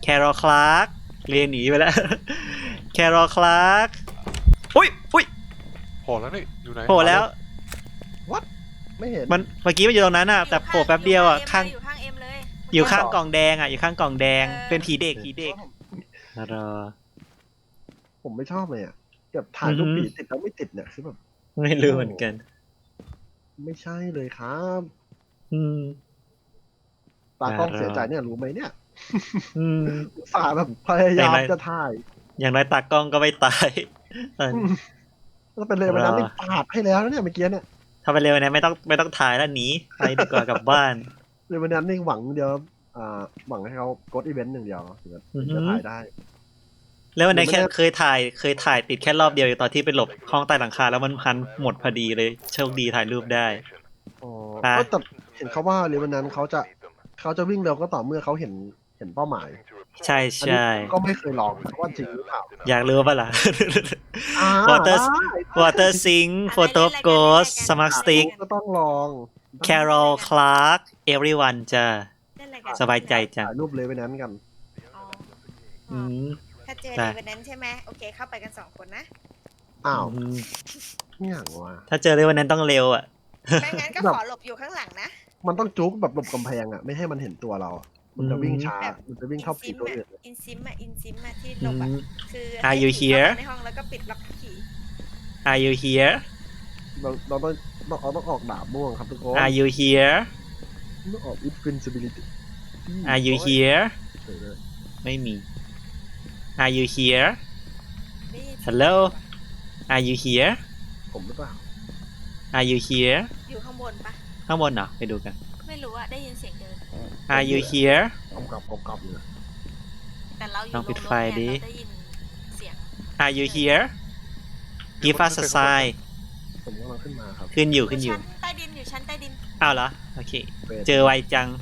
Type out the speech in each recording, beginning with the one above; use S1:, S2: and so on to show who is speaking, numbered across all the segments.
S1: แครอลคลาร์กเรียนหนีไปแล้ว แครอลคลาร์กอุ้ย
S2: โผล่แล้วนี่อยู่ไหน
S1: โผล่แล้ว
S3: ไม่เห็น
S1: มันเมื่อกี้มันอยู่ตรงนั้นอ่ะแต่โผล่แป๊บเดียวอ่ะข้าง
S4: อยู่ข้างเอ็มเลย
S1: อยู่ข้างกล่องแดงอ่ะอยู่ข้างกล่องแดงเป็นผีเด็กรอ
S3: ผมไม่ชอบเลยอ่ะแบบถ่ายรูปผีติดแล้วไม่ติดเนี่ยคือแบบ
S1: ไม่รู้เหมือนกัน
S3: ไม่ใช่เลยครับ
S1: อืม
S3: ตากล้องเสียใจเนี่ยรู้ไหมเนี่ย
S1: อืม
S3: อุตส่าห์แบบพยายามจะถ่าย
S1: อย่างน้อยตากล้องก็ไม่ตาย
S3: แล้วเป็นเลยวันนั้นนี่ปาดให้แล้วนะเนี่ยเมื่อกี้เนี่ย
S1: ถ้าไปเร็วนะไม่ต้องถ่ายแล้วหนีไปดีกว่ากลับบ้าน
S3: เลยวันนั้นนี่หวังเดียวหวังให้เขากดอีเวนต์หนึ่งเดียวถึงจะถ่ายได้
S1: แล้ววันนั้นแค่
S3: หรือไม่ได้
S1: เคยถ่ายติดแค่รอบเดียวตอนที่ไปหลบห้องใต้หลังคาแล้วมันพันหมดพอดีเลยโชคดีถ่ายรูปได้
S3: อ๋อ
S1: อ่ะ
S3: แต่เห็นเขาว่าเลยวันนั้นเขาจะวิ่งเร็วก็ต่อเมื่อเขาเห็นเป้าหมาย
S1: ใช่
S3: อันนี้
S1: ใช่
S3: ก็ไม่เคยลองว่าจริงหรือเปล่า
S1: อยากรู้ป่ะล่ะ
S3: อ่า
S1: Water
S3: ได้
S1: Water Sink Photo of Ghost Smart Stick
S3: ก็ต้องลอง
S1: Carol Clark Everyone จ้ะ
S4: เล่นอะไรกัน
S1: สบายใจจ้ะ
S3: ถ่ายรูปเลยวันนั้นกัน
S4: อ๋อ
S1: อืม
S4: ถ้าเจอ
S1: ได้
S4: ในวันนั้นใช่ไหมโอเคเข้าไปกัน2 คนนะ
S3: อ้าว
S1: อืม
S3: นี่อย่างวะ
S1: ถ้าเจอเลยวันนั้นต้องเร็วอ่ะ
S4: ไม่งั้นก็
S3: แบบ
S4: ขอหลบอยู่ข้างหลังนะ
S3: มันต้องจุกแบบหลบกำแพงอ่ะไม่ให้มันเห็นตัวเราอะมันจะวิ่งช้า
S4: แบบ
S3: มันจะวิ่งเข้าผีตัวอื่น
S4: อินซิมอะที่หลบอะคือ
S1: Are you
S4: ให้ผี
S1: here?
S4: เข้ามาในห้องแล้วก็ปิดล็อกผี
S1: Are you here
S3: เราต้องออกดาบม่วงครับทุกคน
S1: Are you here
S3: ต้องออก invincibility
S1: Are you here
S3: เฉยเลย
S1: ไม่มี Are you here
S4: ได้ยินเสียง
S1: Hello Are you here
S3: ผมหรือเปล่า
S1: Are you here
S4: อยู่ข้างบนปะ
S1: ข้างบนเหรอไปดูกัน
S4: ไม่รู้อะได้ยินเสียงเดิน
S1: Are you here
S3: กอบอยู่
S4: แต่เราอยู่
S1: ลองปิดไฟดิ
S4: เราได้ยินเสียง
S1: Are you here Give us a sign
S3: ผมกำลังขึ้นมาครับ
S1: ขึ้นอยู่
S4: ชั้นใต้ดินอยู่ชั้นใต้ดิน
S1: อ้าวเหรอโอเค เจอไวจัง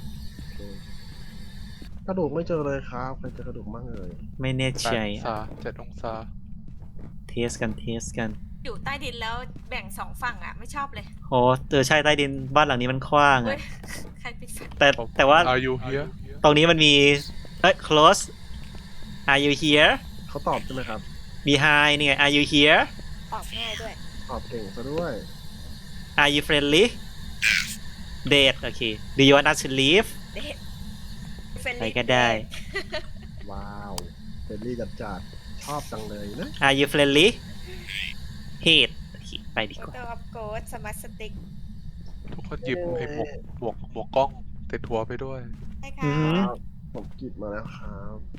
S3: กระดูกไม่เจอเลยครับใครเจอกระดูกบ้างเลย
S1: ไม่แน่
S2: 8
S1: ใจ
S2: องศา7 องศา
S1: เทสกัน
S4: อยู่ใต้ดินแล้วแบ่ง2 ฝั่งอะไม่ชอบเลย
S1: โอ้ใช่ใต้ดินบ้านหลังนี้มันกว้าง
S4: เฮ้
S1: อะ
S4: ยใครปิดไฟ
S1: แต่ว่า
S2: Are you here
S1: ตรงนี้มันมีclose Are you here
S3: เขาตอบใช่ไหมครับ
S1: Behind นี่ไง Are you here
S4: ตอบง่ายด้วย
S3: ตอบเก่งซะด้วย
S1: Are you friendly Date โอเค Do you want us to leave
S4: เด็ด
S1: ไปก็ได้
S3: ว้าวเฟรนลี่จัดชอบจังเลยนะ
S1: Are you friendly Hate โอเคไปดี
S4: โฟ
S1: กว่า
S4: โต้ออฟโกดสมาร์ทสติ๊ก
S2: ทุกคนหยิบไอ้หมวกกล้องติดหัวไปด้วย
S4: ใช่
S1: อื
S4: ค่ะ
S1: อหือ
S3: ครับผมกิบมาแล้วครับ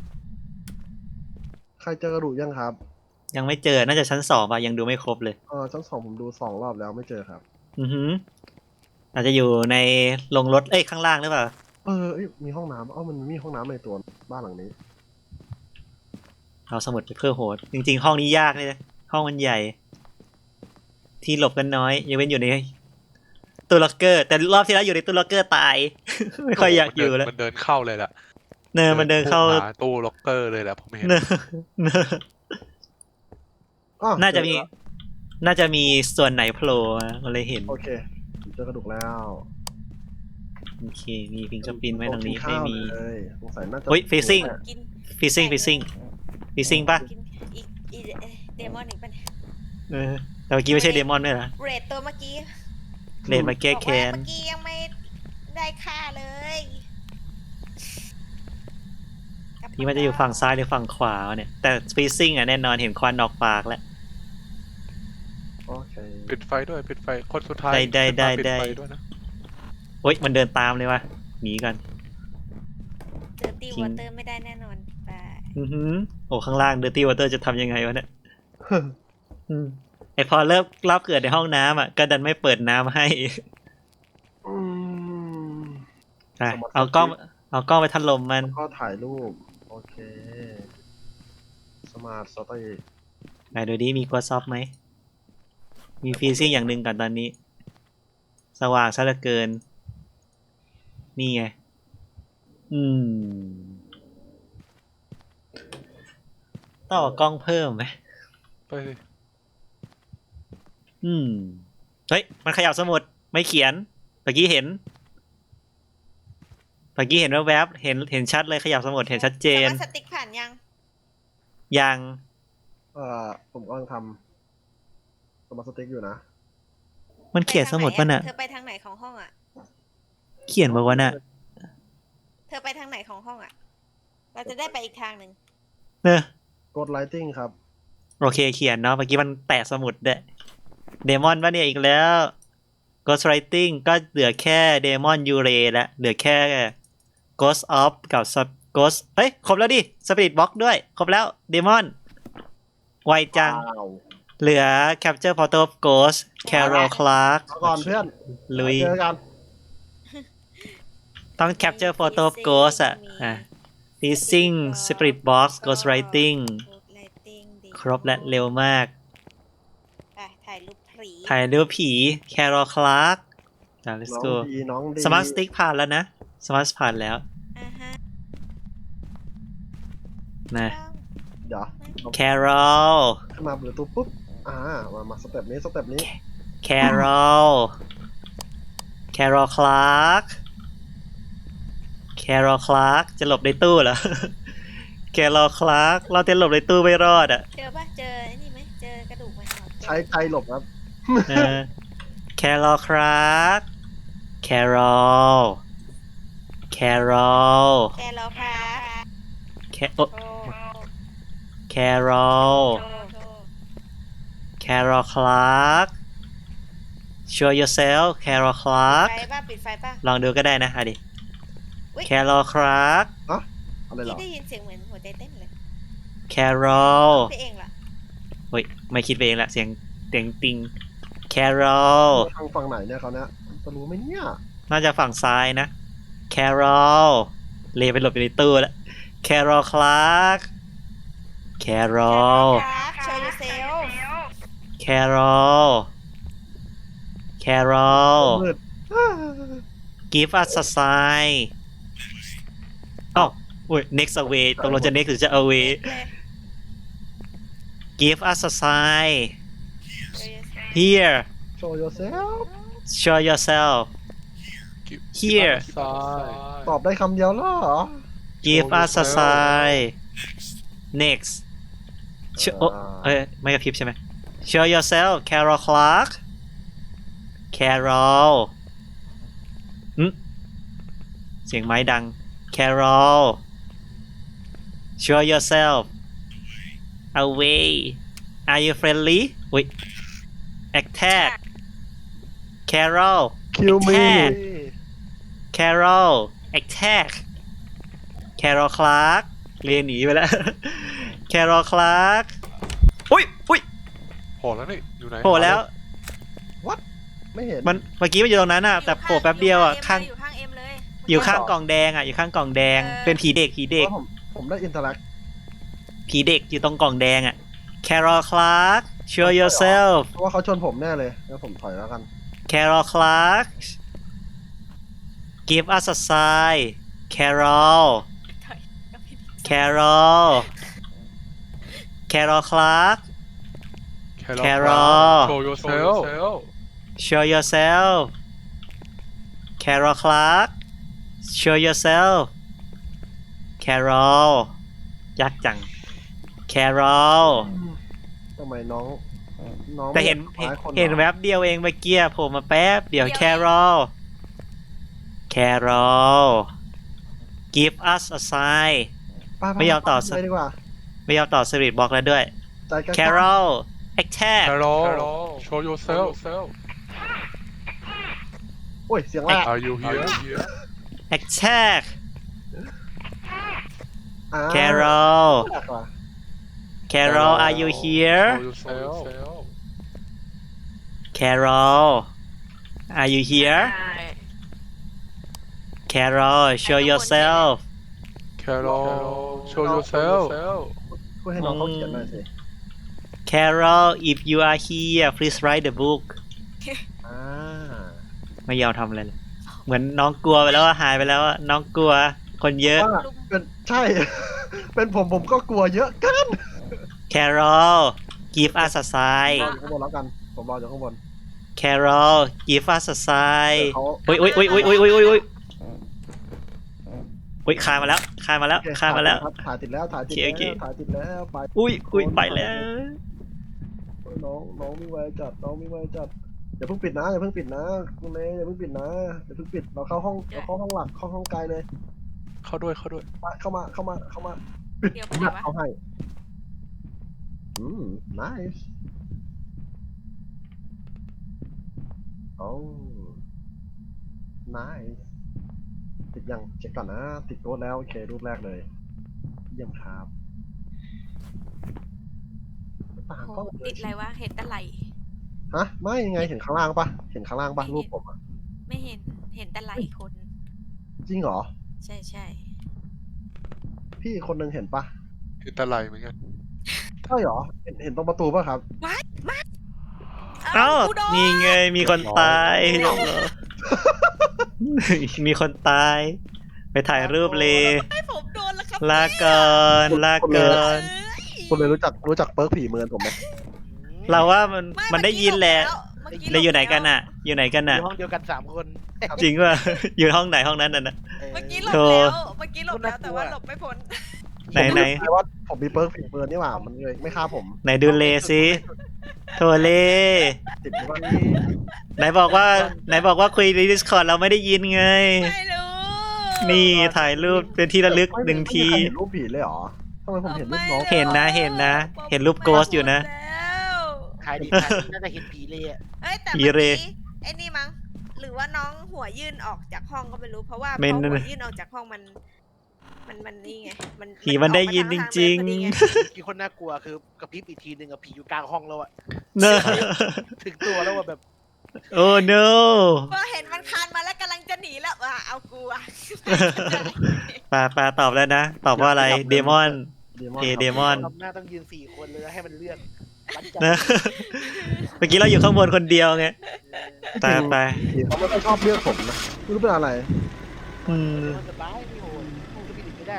S3: ใครเจอกระดูกยังครับ
S1: ยังไม่เจอ น่าจะชั้น2ป่ะ ยังดูไม่ครบเลย
S3: ชั้น 2ผมดู2 รอบแล้วไม่เจอครับ
S1: อือหืออาจจะอยู่ในโรงรถ ข้างล่างหรือเปล่า
S3: เอ้ยมีห้องน้ำมันมีห้องน้ำในตัวบ้านหลังนี้
S1: เอาสมุดไปเพื่อโหด จริงๆ ห้องนี้ยากเลยนะห้องมันใหญ่ ที่หลบกันน้อยยังเป็นอยู่ในตู้ล็อกเกอร์ แต่รอบที่แล้วอยู่ในตู้ล็อกเกอร์ตาย ไม่ค่อยอยากอยู่แล้ว
S2: มันเดินเข้าเลยแหละ
S1: มันเดินเข้า
S2: หตู้ล็อกเกอร์เลยแหละผมเห็น
S1: เนอะเนอะ
S3: อ้อ
S1: น่าจะมี
S3: เจอแล้ว
S1: น่าจะมีส่วนไหนโผล่มามันเลยเห็น
S3: โอเคผมเจอกระดูกแล้ว
S1: โอเค มีฟิงเกอร์พินไว้ตรงนี้ ไม่มี
S3: เลยสงสัยน่าจะ
S1: เฮ้ย facing
S4: กิน
S1: ฟิซซิ่งป่ะ
S4: กินอีเดมอนอีกปะเนี่ย
S1: แต่เมื่อกี้ไม่ใช่เดมอนด้วยเหรอ
S4: เรทตัวเมื่อกี้
S1: เลนมาแก้
S4: บอก
S1: แค้
S4: ว่าน เมื่อกี้ยังไม่ได้ค่าเลย
S1: ที่มันจะอยู่ฝั่งซ้ายหรือฝั่งขวาเนี่ย แต่ฟิซซิ่งอ่ะแน่นอนเห็นควันออกปากแล้ว
S3: โอเค
S2: ปิดไฟด้วยปิดไฟคนสุดท้าย
S1: ได้
S2: ขึ้นมาปิด
S1: ได้
S2: ไฟด้วยนะ
S1: โอ๊ยมันเดินตามเลยวะหนีกัน
S4: เจอตีวอเตอร์ไม่ได้แน่นอนไป
S1: อือหือโอ้ข้างล่างเดอร์ตี้วอเตอร์จะทำยังไงวะเนี่ยอืมไอพอเริ่มรอบเกิดในห้องน้ำอ่ะก็ดันไม่เปิดน้ำให้
S3: อืม
S1: อ่ะเอากล้องไปทัดลมมัน
S3: ก็ถ่ายรูป โอเค สมาร์ทสตย์
S1: ไหนดูดิมีกดซอฟไหม มีฟีซิ่งอย่างหนึ่งก่อนตอนนี้ สว่างซะเหลือเกิน นี่ไง ต่อกล้องเพิ่มไหม
S2: ไปสิ
S1: เฮ้ย มันขยับสมุด ไม่เขียนเมื่อกี้เห็นเมื่อกี้เห็นแวบๆเห็นชัดเลยขยับสมุดเห็นชัดเจน
S4: สมาร์ทสติ๊กผ่านยัง
S1: ยัง
S3: ผมกำลังทำสมาร์ทสติ๊กอยู่นะ
S1: มันเขียนสมุดป่ะน่ะ
S4: เธอไปทางไหนของห้องอ่ะ
S1: เขียนป่ะวะน่ะ
S4: เธอไปทางไหนของห้องอ่ะ เราจะได้ไปอีกทางหนึ่ง
S1: เนอะ
S3: กดไลติ้งครับ
S1: โอเคเขียนเนาะเมื่อกี้มันแตะสมุดเด้เดมอนป่ะเนี่ยอีกแล้ว Ghost Writing ก็เหลือแค่เดมอนยูเรแล้วเหลือแค่ Ghost of กับ Ghost เฮ้ย ครบแล้วดิ Spirit Box ด้วย ครบแล้วเดมอนไวจัง
S3: ว้าว
S1: เหลือ Capture Photo of Ghost Carol Clark
S3: เอาก่อนเพื่อน
S1: ลุย
S3: เจอกัน
S1: ต้อง Capture Photo of Ghost อ่ะ Teasing Spirit Box Ghost Writing ครบและเร็วมาก
S4: ไปถ่ายรูปผี
S1: ถ่ายรูปผี Carol Clark let's
S3: น้อง
S1: go
S3: ดีน้องดี
S1: Smart Stick ผ่านแล้วนะ Smart ผ่านแล้ว
S4: อ่าฮะ
S1: นะ
S3: เดี๋ยว
S1: Carol
S3: ขึ้นมาประตูปุ๊บมาสเต็ปนี้สเต็ปนี้
S1: Carol Carol Clark Carol Clark จะหลบในตู้เหรอ Carol Clark เราจะหลบในตู้ไม่รอดอ่ะ
S4: เจอปะเจอไอ้นี่ไหมเจอกระดูกไหมอ๋อเจอ
S3: ใช้ใจหลบครับ
S1: เออ Carol Clark Carol Carol
S4: แกรอครับ
S1: โอ้
S4: โอ้
S1: Carol
S4: โอ้โอ้
S1: Carol Clark Show yourself Carol Clark
S4: ไฟป่ะปิดไฟป่ะ
S1: ลองดูก็ได้นะอ่ะดิ
S4: อุ๊ย
S1: Carol Clark
S3: อะไรเหร
S4: ที่
S3: อ
S4: ได้ยินเสียงเหมือนหัวใจเต้นเลย
S1: Carol
S4: ไปเองเหรอ
S1: เฮ้ยไม่คิดไปเองละเสียงติง Carol
S3: ทางฝั่งไหนเนี่ยเขาเนี่ยจะรู้ไหมเนี่ย
S1: น่าจะฝั่งซ้ายนะ Carol เลไปหลบอยู่ในตู้แล้ว Carol Clark Carol
S4: ครับ show yourself
S1: Carol Carol
S3: มืด
S1: Give us a sign อ้าวอุ้ย next away ตกลงจะ next หรือจะ away
S4: เลย
S1: Give us a sign
S4: show yourself
S1: here
S3: show yourself
S1: show yourself Here
S2: ซ้าย
S3: ตอบได้คำเดียวแล้วเหรอ
S1: Give us a sign next โอ้เอ้ยไม่กระพริบใช่ไหม Show yourself Carol Clark Carol เสียงไม้ดัง Carol Show yourself away Are you friendly อุ้ย attack Carol
S3: คิวมี
S1: Attack Carol attack Carol Clark เรียนหนีไปแล้ว Carol Clark อุ้ย
S2: โผล่แล้วนี่อยู่ไหน
S1: โผล่แล้ว
S3: ไม่เห็น
S1: มันเมื่อกี้มันอยู่ตรงนั้นอ่ะ แต่โผล่แป๊บเดียวอ่ะ ข้าง
S4: อยู่ข้างเอ็มเลย
S1: อยู่ข้างกล่องแดงอ่ะ อยู่ข้างกล่องแดง เป็นผีเด็ก ผีเด็ก
S3: เพราะผมได้อินเทอร์แอค
S1: ผีเด็กอยู่ตรงกล่องแดงอ่ะ Carol Clark show yourself
S3: เพราะว่าเขาชนผมแน่เลยแล้วผมถอยแล้วกัน
S1: Carol Clark give us a sign Carol Carol Carol Clark Carol
S2: Show yourself
S1: show yourself Carol Clark show yourself Carol ยากจัง Carol
S3: ทำไมน้อง
S1: แต่เห็น
S3: คล้ายค
S1: เห็นแวบเดียวเองเมื่อกี้โผล่มาแป๊บเดี๋ยว Carol Carol give us a sign ไม่ยอมต่อ
S3: เลยดีกว่า
S1: ไม่ยอมต่อสวิตบอกแล้วด้วย
S3: ใจกล้า
S1: Carol attack
S2: Carol show yourself
S3: โอ้ยเสียงแรก
S2: Are you here
S1: attack
S3: อ่า
S1: Carol
S3: แรกว่ะ
S1: Carol are you here
S2: Show yourself
S1: Carol are you here Carol show yourself
S2: Carol show yourself
S3: ช่วยให้น้องเขาเขียนหน่อยสิ
S1: Carol if you are here please write the book
S3: อ่า
S1: ไม่ยอมทำอะไรเลยเหมือนน้องกลัวไปแล้วอะหายไปแล้วอะน้องกลัวคนเยอะ
S3: ว่าเป็นใช่ เป็นผมก็กลัวเยอะเกัน
S1: Carol give us a sign
S3: รออยู่ข้างบนแล้วกันผมรออยู่ข้างบน
S1: Carol give us a sign
S3: เขา
S1: อุ้ยอุ้ยอุ้ยอุ้ยอุ้ยอุ้ยอุ้ยอุ้ยคานมาแล้วคานมาแล้ว
S3: โอเค
S1: คานมาแล้ว
S3: ครับถ่ายติดแล้วถ่ายติด
S1: โอ
S3: แล้ว
S1: เค
S3: ถ่ายติดแล้วไป
S1: อุ้ยไปแล้ว
S3: น้องมีไวจัดน้องมีไวจัดอย่าเพิ่งปิดนะอย่าเพิ่งปิดนะคุณเมย์อย่าเพิ่งปิดนะอย่าเพิ่งปิดเราเข้าห้องหลักเข้าห้องไกลเลย
S2: เข้าด้วยเข้าด้วย
S3: มาเข้ามา
S4: เดี๋ยวไป
S3: ผม
S4: ไหน
S3: หัก
S4: วะ
S3: เอาให้nice โอ้ nice ติดยังเช็คก่อนนะติดโต๊ะแล้วโอเครูปแรกเลยเยี่ยมครับต่าง
S4: โห
S3: ก็
S4: ติดอะไรวะ เห็นแต่ไหล
S3: ฮะไม่ยังไงเห็นข้างล่างปะเห็นข้างล่างปะรูปผมอะ
S4: ไม่เห็น เห็นแต่ไหลคน
S3: จริงเหรอ
S4: ใช่ใช่
S3: พี่คนหนึ่งเห็นปะ
S2: คือตะไลเหมือนกัน
S3: ใช่เหรอเห็นตรงประตูปะครับ
S1: เอ้า
S4: กูโดน
S1: นี่ไงมีคนตายมีคนตาย ไปถ่ายรูปเลย
S4: ให้ผมโดนแล้วครับ
S1: ลาก่อนลาก่อน
S3: คุณเลยรู้จักเปิร์กผีเมือนผมไหม
S1: เราว่ามันได้ยินแหละ
S4: เมื่อกี้
S1: แล้วอยู่ไหนกันน่ะ อยู่ไหนกัน
S5: อ
S1: น่ะ
S5: ยู่ห้องเดียวกัน3 คน
S1: จริงว่า อยู่ห้องไหนห้องนั้นน่ะนะ
S4: เมื่อกี้หลบ
S1: โธ่
S4: แล้วเมื่อกี้หลบแล้วแต่ว่าหลบไม่พ้น
S1: ไหน
S3: แปลว่าผมมีเปิร์กผีเมือนนี่หว่ามันเลยไม่ฆ่าผม
S1: ไหนดูเลสิโทเล
S3: ติดหรือว่า
S1: ไหนบอกว่าคุยใน Discord เราไม่ได้ยินไง
S4: ไม่รู้
S1: นี่ถ่ายรูปเป็นที่ระลึกหนึ่งที
S3: ไม่มีใครเห็นรูปผีเลยเหรอทำไมผมเห็นรูปน้อง
S1: เห็นนะเห็นนะ เห็นรูปโกสอยู่นะ
S4: แล้ว
S5: ใครดีน่าจะเห็นผีเลยอ่ะ
S4: เอ้ยแต่
S1: ผี
S4: เมื่อ
S1: เร
S4: กี้ไอ้นี่มั้งหรือว่าน้องหัวยื่นออกจากห้องก็ไม่รู้เพราะว่าพ
S1: ไม่
S4: อ
S1: นั่น
S4: หัว
S1: น่ะ
S4: ยื่นออกจากห้องมันนี่ไงมัน
S1: ผีมันได้ยินจริง
S4: ๆ
S5: มีคนน่ากลัวคือกระพริบอีกทีหนึ่งกับผีอยู่กลางห้องแล้วอ่ะ
S1: เนอะ
S5: ถึงตัวแล้วว่าแบบ
S1: โอ้ no
S4: พอเห็นมันคานมาแล้วกำลังจะหนีแล้วว่าเอากูอะ
S1: ปาตอบแล้วนะ ตอบว่าอะไรเดมอน เอเดมอน
S5: ทำหน้าต้องยืน4 คนเลยแล้วให้มันเลือกวัดใจ
S1: นะ เมื่อกี้เราอยู่ข้างบนคนเดียวไงไป
S3: ผีเขาไม่ค่อยชอบเลือกผมนะไม่รู้เป็นอะไร
S1: อืม
S5: มันสบายไม่โหดพูดก็ไม่ได้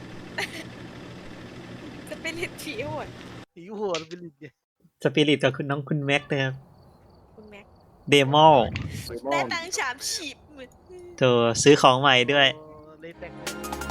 S4: จะเป็นลิทผีโหด
S5: ผีโหดเป็นลิ้นไง
S1: สปิริตกับคุณแม็กนะครับ
S4: คุณแม็ก
S1: เดมอล
S4: ได้ตังค์3 ฉีบ
S1: ตัวซื้อของใหม่ด้วย
S5: เลยแต่ง